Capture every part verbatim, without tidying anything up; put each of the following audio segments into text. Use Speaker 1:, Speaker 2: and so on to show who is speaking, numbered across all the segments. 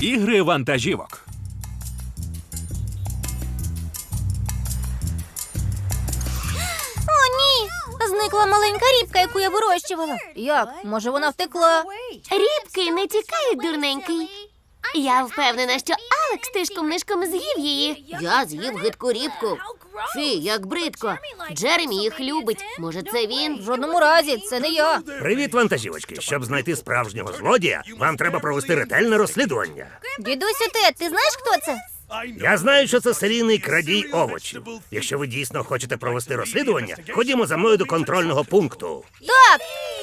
Speaker 1: Ігри вантажівок.
Speaker 2: О, ні! Зникла маленька рібка, яку я вирощувала. Як? Може, вона втекла?
Speaker 3: Рібки не тікають, дурненький. Я впевнена, що Алекс тишком-нишком з'їв її.
Speaker 4: Я з'їв гидку рібку. Фі, як бридко. Джеремі їх любить. Може, це він?
Speaker 2: В жодному разі, це не я.
Speaker 5: Привіт, вантажівочки. Щоб знайти справжнього злодія, вам треба провести ретельне розслідування.
Speaker 2: Дідусю Тед, ти знаєш, хто це?
Speaker 5: Я знаю, що це серійний крадій овочів. Якщо ви дійсно хочете провести розслідування, ходімо за мною до контрольного пункту.
Speaker 2: Так!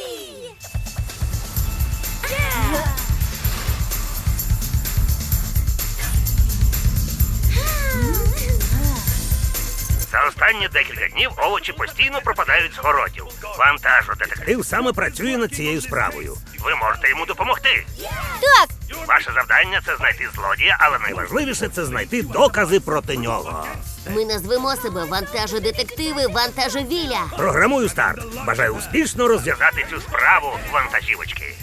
Speaker 5: За останні декілька днів овочі постійно пропадають з городів. Вантажодетектив саме працює над цією справою. Ви можете йому допомогти.
Speaker 2: Так!
Speaker 5: Ваше завдання – це знайти злодія, але найважливіше – це знайти докази проти нього.
Speaker 4: Ми назвемо себе вантажодетективи Вантажовіля.
Speaker 5: Програмую старт. Бажаю успішно розв'язати цю справу, вантажівочки.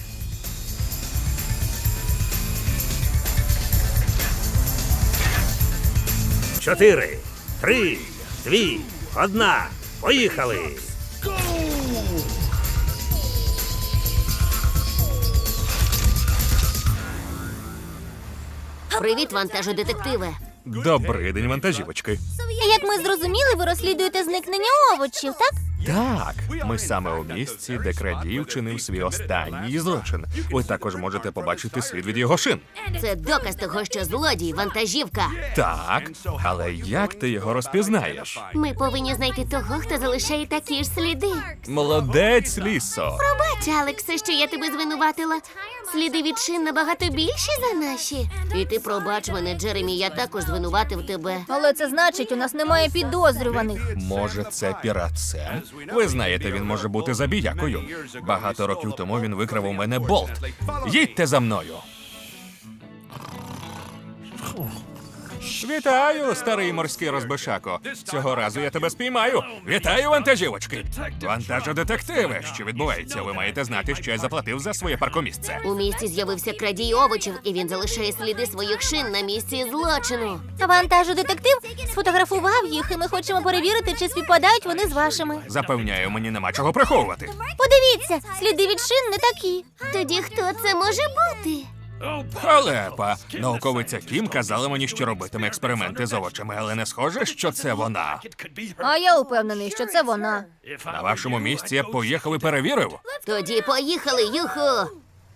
Speaker 5: Чотири, три, дві, одна. Поїхали!
Speaker 4: Привіт, вантажодетективе.
Speaker 1: Добрий день, вантажівочки.
Speaker 2: Як ми зрозуміли, ви розслідуєте зникнення овочів, так?
Speaker 1: Так, ми саме у місці, де крадій вчинив свій останній злочин. Ви також можете побачити слід від його шин.
Speaker 4: Це доказ того, що злодій вантажівка.
Speaker 1: Так, але як ти його розпізнаєш?
Speaker 3: Ми повинні знайти того, хто залишає такі ж сліди.
Speaker 1: Молодець, Лісо.
Speaker 3: Пробач, Алексе, що я тебе звинуватила. Сліди від шин набагато більші за наші.
Speaker 4: І ти пробач мене, Джеремі, я також звинуватив тебе.
Speaker 2: Але це значить, у нас немає підозрюваних.
Speaker 1: Може, це пірат Сем? Ви знаєте, він може бути забіякою. Багато років тому він викрав у мене болт. Їдьте за мною. Вітаю, старий морський розбишако. Цього разу я тебе спіймаю. Вітаю, вантажівочки. Вантажодетективи. Що відбувається? Ви маєте знати, що я заплатив за своє паркомісце.
Speaker 4: У місті з'явився крадій овочів, і він залишає сліди своїх шин на місці злочину.
Speaker 2: Вантажодетектив сфотографував їх, і ми хочемо перевірити, чи співпадають вони з вашими.
Speaker 1: Запевняю, мені нема чого приховувати.
Speaker 2: Подивіться, сліди від шин не такі.
Speaker 3: Тоді хто це може бути?
Speaker 1: Халепа. Науковиця Кім казала мені, що робитиме експерименти з овочами, але не схоже, що це вона.
Speaker 2: А я упевнений, що це вона.
Speaker 1: На вашому місці я б поїхав і перевірив.
Speaker 4: Тоді поїхали, юху!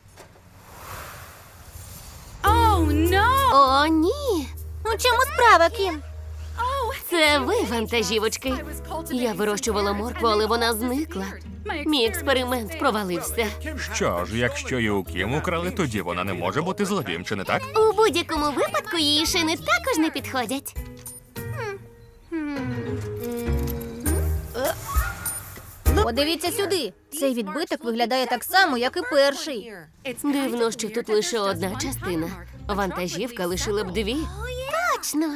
Speaker 3: О, ні.
Speaker 2: У чому справа, Кім?
Speaker 3: Це ви, вантажівочки. Я вирощувала моркву, але вона зникла. Мій експеримент провалився.
Speaker 1: Що ж, якщо і у Кім украли, тоді вона не може бути злодієм, чи не так?
Speaker 3: У будь-якому випадку її шини також не підходять.
Speaker 2: Подивіться сюди. Цей відбиток виглядає так само, як і перший.
Speaker 3: Дивно, що тут лише одна частина. Вантажівка лишила б дві. Точно.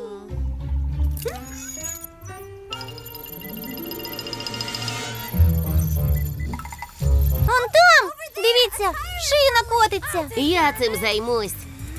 Speaker 2: Он там! Дивіться, шина котиться.
Speaker 4: Я цим займусь.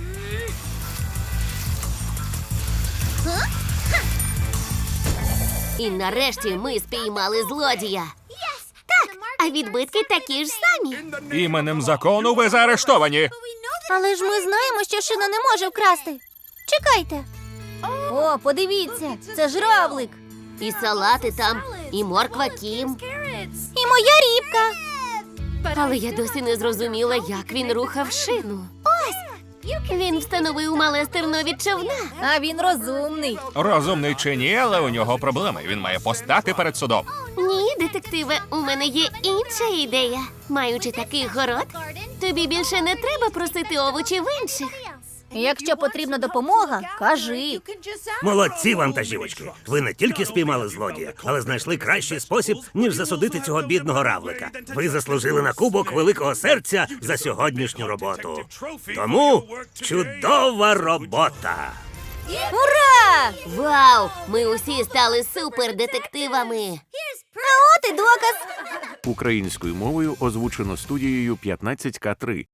Speaker 4: І нарешті ми спіймали злодія.
Speaker 3: Так, а відбитки такі ж самі.
Speaker 1: Іменем закону ви заарештовані.
Speaker 2: Але ж ми знаємо, що шина не може вкрасти. Чекайте. О, подивіться, це ж равлик.
Speaker 4: І салати там, і морква Кім.
Speaker 2: І моя рібка.
Speaker 3: Але я досі не зрозуміла, як він рухав шину. Ось! Він встановив мале стерно від човна.
Speaker 2: А він розумний.
Speaker 1: Розумний чи ні, але у нього проблеми. Він має постати перед судом.
Speaker 3: Ні, детективе, у мене є інша ідея. Маючи такий город, тобі більше не треба просити овочі в інших.
Speaker 2: Якщо потрібна допомога, кажи.
Speaker 5: Молодці, вантажівочки. Ви не тільки спіймали злодія, але знайшли кращий спосіб, ніж засудити цього бідного равлика. Ви заслужили на кубок великого серця за сьогоднішню роботу. Тому чудова робота!
Speaker 2: Ура!
Speaker 4: Вау! Ми усі стали супердетективами.
Speaker 2: А от і доказ.
Speaker 6: Українською мовою озвучено студією п'ятнадцять ка три.